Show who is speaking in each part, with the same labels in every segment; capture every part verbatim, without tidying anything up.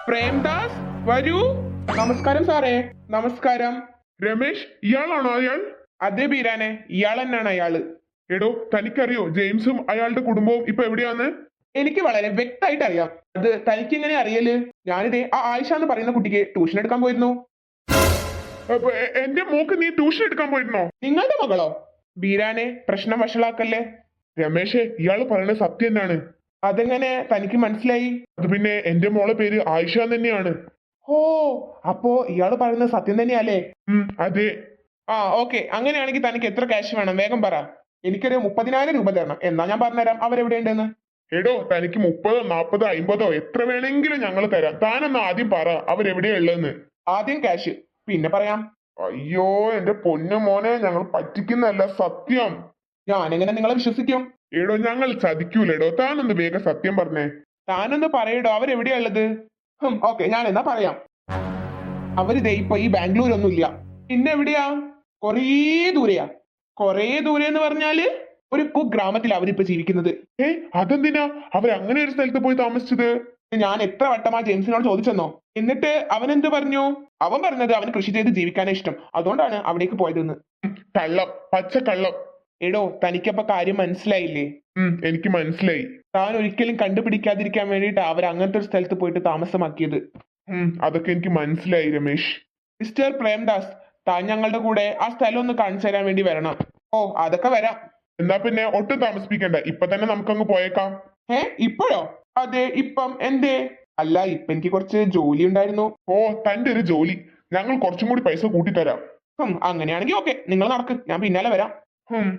Speaker 1: പ്രേംദാസ് വരൂ. നമസ്കാരം സാറേ. നമസ്കാരം.
Speaker 2: രമേശ്, ഇയാളാണോ അയാൾ?
Speaker 1: അതെ ബീരാനെ, ഇയാൾ തന്നെയാണ് അയാള്.
Speaker 2: എടോ, തനിക്കറിയോ ജെയിംസും അയാളുടെ കുടുംബവും ഇപ്പൊ എവിടെയാന്ന്?
Speaker 1: എനിക്ക് വളരെ വ്യക്തമായിട്ട് അറിയാം. അത് തനിക്ക് എങ്ങനെ അറിയല്? ഞാനിതേ ആ ആയിഷ എന്ന് പറയുന്ന കുട്ടിക്ക് ട്യൂഷൻ എടുക്കാൻ പോയിരുന്നു.
Speaker 2: അപ്പൊ എ- എന്റെ മോക്ക് നീ ട്യൂഷൻ എടുക്കാൻ പോയിരുന്നോ?
Speaker 1: നിങ്ങളുടെ മകളോ? ബീരാനെ, പ്രശ്നം വഷളാക്കല്ലേ.
Speaker 2: രമേശേ, ഇയാള് പറയുന്നത് സത്യം തന്നെയാണ്.
Speaker 1: അതെങ്ങനെ തനിക്ക് മനസ്സിലായി?
Speaker 2: അത് പിന്നെ എന്റെ മോളെ പേര് ആയിഷ തന്നെയാണ്.
Speaker 1: ഓ, അപ്പോ ഇയാള് പറയുന്നത് സത്യം തന്നെയല്ലേ?
Speaker 2: ഉം അതെ.
Speaker 1: ആ ഓക്കെ, അങ്ങനെയാണെങ്കിൽ തനിക്ക് എത്ര ക്യാഷ് വേണം വേഗം പറ. എനിക്കൊരു മുപ്പതിനായിരം രൂപ തരണം. എന്നാ ഞാൻ പറഞ്ഞുതരാം അവരെവിടെയുണ്ടെന്ന്.
Speaker 2: എടോ, തനിക്ക് മുപ്പതോ നാപ്പതോ അമ്പതോ എത്ര വേണമെങ്കിലും ഞങ്ങൾ തരാം. താനൊന്ന് ആദ്യം പറ അവരെവിടെയാ ഉള്ളതെന്ന്.
Speaker 1: ആദ്യം ക്യാഷ്, പിന്നെ പറയാം.
Speaker 2: അയ്യോ എന്റെ പൊന്നു മോനെ, ഞങ്ങൾ പറ്റിക്കുന്നല്ല, സത്യം.
Speaker 1: ഞാനെങ്ങനെ നിങ്ങളെ വിശ്വസിക്കും?
Speaker 2: എടോ, ഞങ്ങൾ ചതിക്കൂലെടോ. താനൊന്ന് വേഗം സത്യം പറഞ്ഞേ.
Speaker 1: താനൊന്ന് പറയടോ, അവരെവിടെയാ ഉള്ളത്? ഹും ഓക്കെ, ഞാൻ എന്നാ പറയാം. അവരിതേ ഇപ്പൊ ഈ ബാംഗ്ലൂരൊന്നും ഇല്ല. പിന്നെ എവിടെയാ? കൊറേ ദൂരെയാ. കൊറേ ദൂരെ എന്ന് പറഞ്ഞാല് ഒരു കുഗ്രാമത്തിൽ അവരിപ്പോ ജീവിക്കുന്നത്.
Speaker 2: ഏ അതെന്തിനാ അവർ അങ്ങനെ ഒരു സ്ഥലത്ത് പോയി താമസിച്ചത്?
Speaker 1: ഞാൻ എത്ര വട്ടം ആ ജെയിംസിനോട് ചോദിച്ചെന്നോ. എന്നിട്ട് അവൻ എന്ത് പറഞ്ഞു? അവൻ പറഞ്ഞത് അവന് കൃഷി ചെയ്ത് ജീവിക്കാനേ ഇഷ്ടം, അതുകൊണ്ടാണ് അവിടേക്ക് പോയതെന്ന്.
Speaker 2: കള്ളം, പച്ച കള്ളം.
Speaker 1: എടോ, തനിക്കപ്പൊ കാര്യം മനസ്സിലായില്ലേ?
Speaker 2: ഉം എനിക്ക് മനസ്സിലായി.
Speaker 1: താൻ ഒരിക്കലും കണ്ടുപിടിക്കാതിരിക്കാൻ വേണ്ടിയിട്ട് അവർ അങ്ങനത്തെ ഒരു സ്ഥലത്ത് പോയിട്ട് താമസമാക്കിയത്.
Speaker 2: ഉം അതൊക്കെ എനിക്ക് മനസ്സിലായി രമേശ്.
Speaker 1: മിസ്റ്റർ പ്രേംദാസ്, താൻ ഞങ്ങളുടെ കൂടെ ആ സ്ഥലം ഒന്ന് കാണിച്ചു തരാൻ വേണ്ടി വരണം. ഓ, അതൊക്കെ വരാം.
Speaker 2: എന്നാ പിന്നെ ഒട്ടും താമസിപ്പിക്കണ്ട, ഇപ്പൊ തന്നെ നമുക്കങ്ങ് പോയേക്കാം.
Speaker 1: ഏ ഇപ്പോഴോ? അതെ, ഇപ്പം എന്തേ? അല്ല, ഇപ്പൊ എനിക്ക് കുറച്ച് ജോലി ഉണ്ടായിരുന്നു.
Speaker 2: ഓ, തന്റെ ഒരു ജോലി. ഞങ്ങൾ കുറച്ചും കൂടി പൈസ കൂട്ടിത്തരാം.
Speaker 1: ഹും അങ്ങനെയാണെങ്കിൽ ഓക്കെ, നിങ്ങൾ നടക്ക്, ഞാൻ പിന്നാലെ വരാം.
Speaker 2: ഉം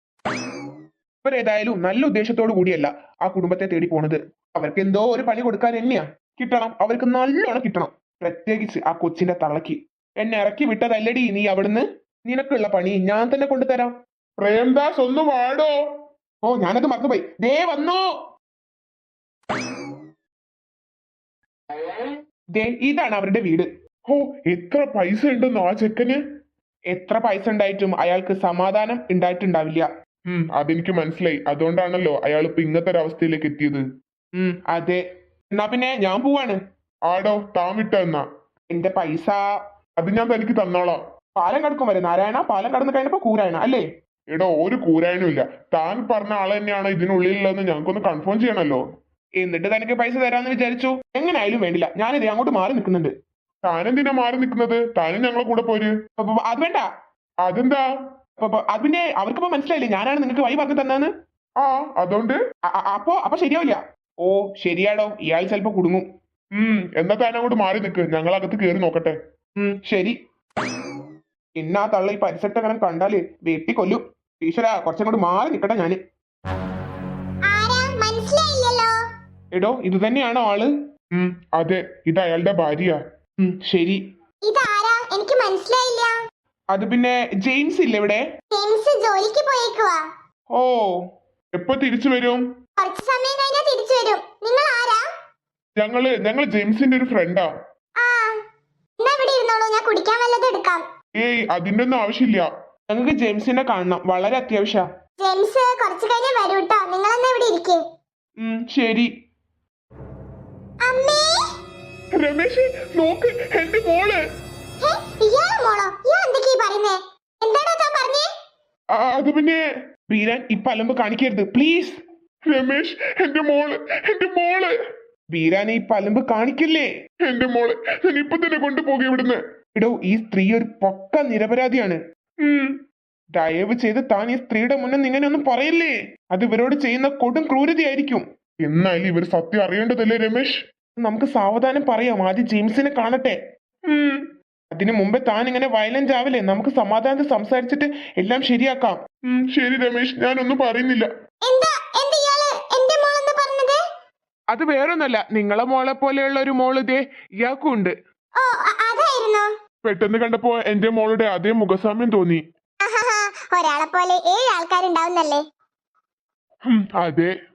Speaker 1: ഇവരേതായാലും നല്ല ഉദ്ദേശത്തോടു കൂടിയല്ല ആ കുടുംബത്തെ തേടി പോണത്. അവർക്ക് എന്തോ ഒരു പണി കൊടുക്കാൻ തന്നെയാ. കിട്ടണം, അവർക്ക് നല്ലോണം കിട്ടണം. പ്രത്യേകിച്ച് ആ കൊച്ചിന്റെ തള്ളക്ക്. എന്നെ ഇറക്കി വിട്ടതല്ലടി നീ അവിടുന്ന്. നിനക്കുള്ള പണി ഞാൻ തന്നെ കൊണ്ടുതരാം.
Speaker 2: പ്രേംദാസ് ഒന്ന് വാടോ.
Speaker 1: ഓ, ഞാനത് മറന്നുപോയി. ദേ വന്നു. ദേ ഇതാണ് അവരുടെ വീട്.
Speaker 2: ഓ, എത്ര പൈസ ഉണ്ടെന്നോ ആ ചെക്കന്?
Speaker 1: എത്ര പൈസ ഉണ്ടായിട്ടും അയാൾക്ക് സമാധാനം ഉണ്ടായിട്ടുണ്ടാവില്ല.
Speaker 2: ഉം അതെനിക്ക് മനസ്സിലായി. അതുകൊണ്ടാണല്ലോ അയാൾ ഇപ്പൊ ഇങ്ങനത്തെ ഒരു അവസ്ഥയിലേക്ക് എത്തിയത്.
Speaker 1: ഉം അതെ. എന്നാ പിന്നെ ഞാൻ പോവാണ്.
Speaker 2: ആടോ, താൻ വിട്ട എന്നാ.
Speaker 1: എന്റെ പൈസ
Speaker 2: അത് ഞാൻ തനിക്ക് തന്നോളാം.
Speaker 1: പാലം കടക്കും വരെ നാരായണ, പാലം കടന്നു കഴിഞ്ഞപ്പോ കൂരായണ അല്ലേ?
Speaker 2: എടോ, ഒരു കൂരായനും ഇല്ല. താൻ പറഞ്ഞ ആള് തന്നെയാണ് ഇതിനുള്ളിലുള്ളതെന്ന് ഞങ്ങൾക്കൊന്ന് കൺഫേം ചെയ്യണല്ലോ.
Speaker 1: എന്നിട്ട് തനിക്ക് പൈസ തരാന്ന് വിചാരിച്ചു. എങ്ങനെയായാലും വേണ്ടില്ല, ഞാനിത് അങ്ങോട്ട് മാറി നിൽക്കുന്നുണ്ട്.
Speaker 2: താനെന്തിനാ മാറി നിൽക്കുന്നത്? താനും ഞങ്ങളെ കൂടെ പോര്.
Speaker 1: അപ്പൊ അത് വേണ്ട.
Speaker 2: അതെന്താ?
Speaker 1: അപ്പൊ അത് പിന്നെ അവർക്കിപ്പോ മനസ്സിലായില്ലേ ഞാനാണ് നിങ്ങൾക്ക് വഴി പറഞ്ഞു തന്നെന്ന്.
Speaker 2: ആ അതുകൊണ്ട്
Speaker 1: അപ്പൊ അപ്പൊ ശരിയാവില്ല. ഓ ശരിയാടോ, ഇയാൾ ചിലപ്പോ കുടുങ്ങും.
Speaker 2: ഉം എന്നാ താൻ അങ്ങോട്ട് മാറി നിൽക്ക്, ഞങ്ങൾ അകത്ത് കയറി നോക്കട്ടെ.
Speaker 1: ഉം ശരി. ഇന്നാ തള്ള ഈ പരിസരത്ത് അങ്ങനെ കണ്ടാല് വെട്ടി കൊല്ലും. ഈശ്വര, കുറച്ചങ്ങോട്ട് മാറി നിക്കട്ടെ ഞാന്. എടോ, ഇത് തന്നെയാണോ ആള്?
Speaker 2: ഉം അതെ, ഇത് അയാളുടെ ഭാര്യ.
Speaker 1: ഉം ശരി.
Speaker 3: ഇതാരാ? എനിക്ക് മനസ്സിലായില്ല.
Speaker 1: അത് പിന്നെ ജെയിംസ് ഇല്ല ഇവിടെ?
Speaker 3: ജെയിംസ് ജോലിക്ക് പോയേക്കുവാ.
Speaker 1: ഓ,
Speaker 2: എപ്പോ തിരിച്ചു വരും?
Speaker 3: കുറച്ച് സമയം കഴിഞ്ഞാൽ തിരിച്ചു വരും. നിങ്ങൾ ആരാ?
Speaker 2: ഞങ്ങള് ഞങ്ങൾ ജെയിംസിന്റെ ഒരു ഫ്രണ്ടാ.
Speaker 3: ആ, എന്നാ ഇവിടെ ഇരുന്നോളൂ, ഞാൻ കുടിക്കാൻ വല്ലതും എടുക്കാം.
Speaker 2: ഏയ് അതിന്റെ ഒന്നും ആവശ്യമില്ല.
Speaker 1: ഞങ്ങൾക്ക് ജെയിംസിനെ കാണണം, വളരെ അത്യാവശ്യ.
Speaker 3: ജെയിംസ് കുറച്ച് കഴിഞ്ഞ് വരൂ കേട്ടോ. നിങ്ങൾ എന്നാ ഇവിടെ ഇരിക്കേ.
Speaker 1: ഉം ശരി.
Speaker 3: അമ്മേ,
Speaker 2: രമേശ് നോക്ക്, എന്റെ മോള്.
Speaker 3: ഹേ, ഇയാളെ മോളോ? ഇയാൾ എന്തൊക്കെയാ പറയുന്നേ? എന്താടാ താൻ പറഞ്ഞേ?
Speaker 2: ആ, അത് പിന്നെ
Speaker 1: ബീരാൻ ഇപ്പൊ അലമ്പ് കാണിക്കരുത് പ്ലീസ്.
Speaker 2: രമേശ്, എന്റെ മോള്, എന്റെ മോള്.
Speaker 1: ബീരാൻ ഈ പലമ്പ് കാണിക്കില്ലേ?
Speaker 2: എന്റെ മോള് ഞാൻ ഇപ്പൊ തന്നെ കൊണ്ടുപോകും ഇവിടുന്ന്.
Speaker 1: ഇടോ, ഈ സ്ത്രീ ഒരു പക്ക നിരപരാധിയാണ്.
Speaker 2: ഉം
Speaker 1: ദയവ് ചെയ്ത് താൻ ഈ സ്ത്രീയുടെ മുന്നിൽ ഇങ്ങനെ ഒന്നും പറയില്ലേ. അത് ഇവരോട് ചെയ്യുന്ന കൊടും ക്രൂരതയായിരിക്കും.
Speaker 2: എന്നാലും ഇവർ സത്യം അറിയേണ്ടതല്ലേ രമേശ്?
Speaker 1: നമുക്ക് സാവധാനം പറയാം, ആദ്യം ജെയിംസിനെ കാണട്ടെ.
Speaker 2: ഉം
Speaker 1: അതിനു മുമ്പേ താൻ ഇങ്ങനെ വയലന്റ് ആവില്ലേ? നമുക്ക് സമാധാനത്തിൽ സംസാരിച്ചിട്ട് എല്ലാം ശരിയാക്കാം.
Speaker 2: ഉം ശരി രമേശ്, ഞാനൊന്നും പറയുന്നില്ല.
Speaker 3: എന്താ എന്താ ഇയാള് എന്റെ മോളെന്ന് പറഞ്ഞത്?
Speaker 1: അത് വേറൊന്നല്ല, നിങ്ങളെ മോളെ പോലെയുള്ള ഒരു മോള് ഇതേ ഇയാൾക്കും ഉണ്ട്.
Speaker 3: ഓ, അ- അതായിരുന്നോ?
Speaker 2: പെട്ടെന്ന് കണ്ടപ്പോ എന്റെ മോളുടെ അതേ മുഖസാമ്യം തോന്നി.
Speaker 3: ഒരാളെ പോലെ ഏഴ് ആൾക്കാരുണ്ടാവുന്നല്ലേ?
Speaker 2: ഉം അതെ.